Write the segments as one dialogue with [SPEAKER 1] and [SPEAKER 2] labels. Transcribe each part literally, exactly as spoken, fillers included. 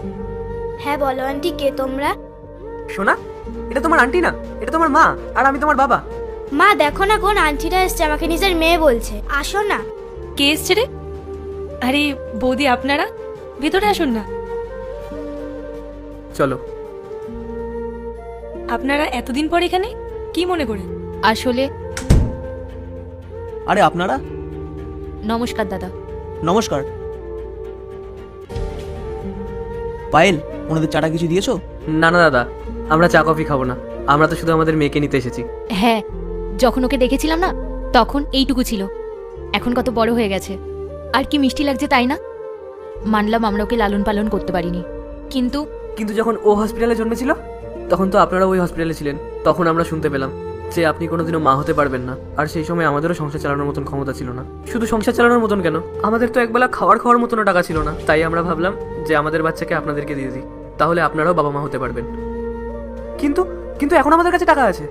[SPEAKER 1] হ্যাঁ বলো আন্টি, কে তোমরা?
[SPEAKER 2] সোনা, এটা তোমার আন্টি না, এটা তোমার মা, আর আমি তোমার বাবা।
[SPEAKER 1] মা দেখো না, কোন আন্টিটা এসছে, আমাকে নিজের মেয়ে বলছে। আসো না।
[SPEAKER 3] কে এসছে রে? আরে বৌদি, আপনারা ভেতরে আসুন না।
[SPEAKER 2] চলো।
[SPEAKER 3] আপনারা এতদিন পর এখানে কি মনে করে?
[SPEAKER 4] আসলে
[SPEAKER 5] আরে আপনারা,
[SPEAKER 4] নমস্কার দাদা।
[SPEAKER 5] নমস্কার। পায়েল, ওনাদের চাটা কিছু দিয়েছো?
[SPEAKER 2] না না দাদা, আমরা চা কফি খাবো না, আমরা তো শুধু আমাদের মেয়েকে নিতে এসেছি।
[SPEAKER 4] হ্যাঁ, যখন ওকে দেখেছিলাম না তখন এইটুকু ছিল, এখন কত বড় হয়ে গেছে। আর কি মিষ্টি লাগছে তাই না? মানলাম আমরা ওকে লালন পালন করতে পারিনি, কিন্তু
[SPEAKER 2] কিন্তু যখন ও হসপিটালে জন্মেছিল তখন তো আপনারা ওই হসপিটালে ছিলেন। তখন আমরা শুনতে পেলাম যে আপনি কোনোদিনও মা হতে পারবেন না। আর সেই সময় আমাদেরও সংসার চালানোর মতন ক্ষমতা ছিল না। শুধু সংসার চালানোর মতন কেন, আমাদের তো একবেলা খাওয়ার খাওয়ার মতনও টাকা ছিল না। তাই আমরা ভাবলাম যে আমাদের বাচ্চাকে আপনাদেরকে দিয়ে দিই, তাহলে আপনারাও বাবা মা হতে পারবেন। কিন্তু কিন্তু এখন আমাদের কাছে টাকা আছে।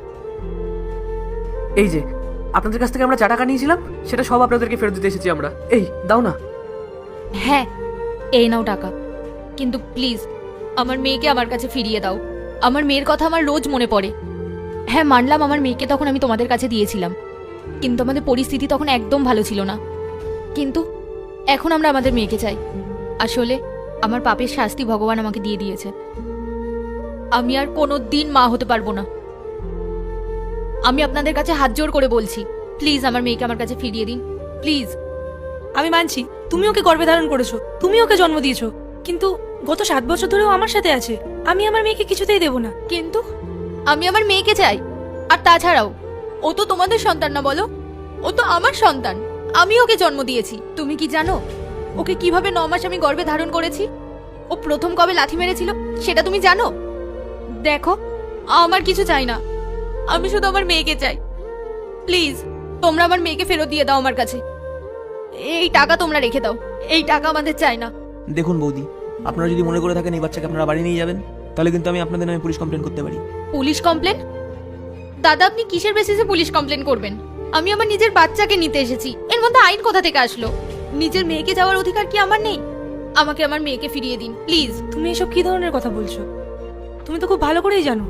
[SPEAKER 2] এই যে আপনাদের কাছ থেকে আমরা যা টাকা নিয়েছিলাম সেটা সব আপনাদেরকে ফেরত দিতে এসেছি আমরা। এই দাও না।
[SPEAKER 4] হ্যাঁ, এই নাও টাকা, কিন্তু প্লিজ আমার মেয়েকে আমার কাছে ফিরিয়ে দাও। আমার মেয়ের কথা আমার রোজ মনে পড়ে। হ্যাঁ মানলাম আমার মেয়েকে তখন আমি তোমাদের কাছে দিয়েছিলাম, কিন্তু আমাদের পরিস্থিতি তখন একদম ভালো ছিল না। কিন্তু এখন আমরা আমাদের মেয়েকে চাই। আসলে আমার পাপের শাস্তি ভগবান আমাকে দিয়ে দিয়েছে। আমি আর কোনো দিন মা হতে পারবো না। আমি আপনাদের কাছে হাত জোড় করে বলছি, প্লিজ আমার মেয়েকে আমার কাছে ফিরিয়ে দিন, প্লিজ।
[SPEAKER 3] আমি মানছি তুমি ওকে গর্ভে ধারণ করেছো, তুমি ওকে জন্ম দিয়েছো, কিন্তু গত সাত বছর ধরেও আমার সাথে আছে। আমি আমার মেয়েকে কিছুতেই দেব না।
[SPEAKER 4] কিন্তু আমি আমার মেয়েকে চাই। আর তাছাড়াও ও তো তোমাদের সন্তান না, বলো? ও তো আমার সন্তান, আমি ওকে জন্ম দিয়েছি। তুমি কি জানো ওকে কিভাবে ন মাস আমি গর্ভে ধারণ করেছি? ও প্রথম কবে লাথি মেরেছিল সেটা তুমি জানো? দেখো, আমার কিছু চাই না, আমি শুধু আমার মেয়েকে চাই। প্লিজ তোমরা আমার মেয়েকে ফেরত দিয়ে দাও আমার কাছে। এই টাকা তোমরা রেখে দাও, এই টাকা আমাদের চাই না।
[SPEAKER 5] দেখুন বৌদি, আপনারা যদি মনে করে থাকেন এই বাচ্চাকে আপনারা বাড়ি নিয়ে যাবেন, তাহলে কিন্তু আমি আপনাদের নামে পুলিশ কমপ্লেন করতে পারি।
[SPEAKER 4] Police complaint? দাদা আপনি কিসের বেসিসে পুলিশ কমপ্লেন করবেন? আমি আমার নিজের বাচ্চাকে নিতে এসেছি, এর মধ্যে আইন কোথা থেকে আসলো? নিজের মেয়েকে যাওয়ার অধিকার কি আমার নেই? আমাকে আমার মেয়েকে ফিরিয়ে দিন প্লিজ।
[SPEAKER 3] তুমি এসব কি ধরনের কথা বলছো? তুমি তো খুব ভালো করেই জানো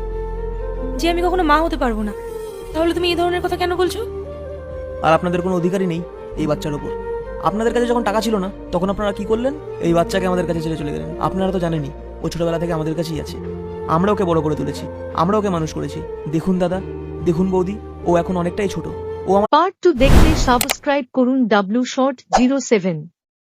[SPEAKER 3] যে আমি কখনো মা হতে পারবো না, তাহলে তুমি এই ধরনের কথা কেন বলছো?
[SPEAKER 5] আর আপনাদের কোনো অধিকারই নেই এই বাচ্চার ওপর। আপনাদের কাছে যখন টাকা ছিল না তখন আপনারা কি করলেন? এই বাচ্চাকে আমাদের কাছে ছেড়ে চলে গেলেন। আপনারা তো জানেনই ও ছোটবেলা থেকে আমাদের কাছেই আছে, আমরা ওকে বড় করে তুলেছি, আমরা ওকে মানুষ করেছি। দেখুন দাদা, দেখুন বৌদি, ও এখন অনেকটাই ছোট। ও আমার
[SPEAKER 6] পার্ট টু দেখতে সাবস্ক্রাইব করুন ডাব্লিউ শর্ট জিরো সেভেন।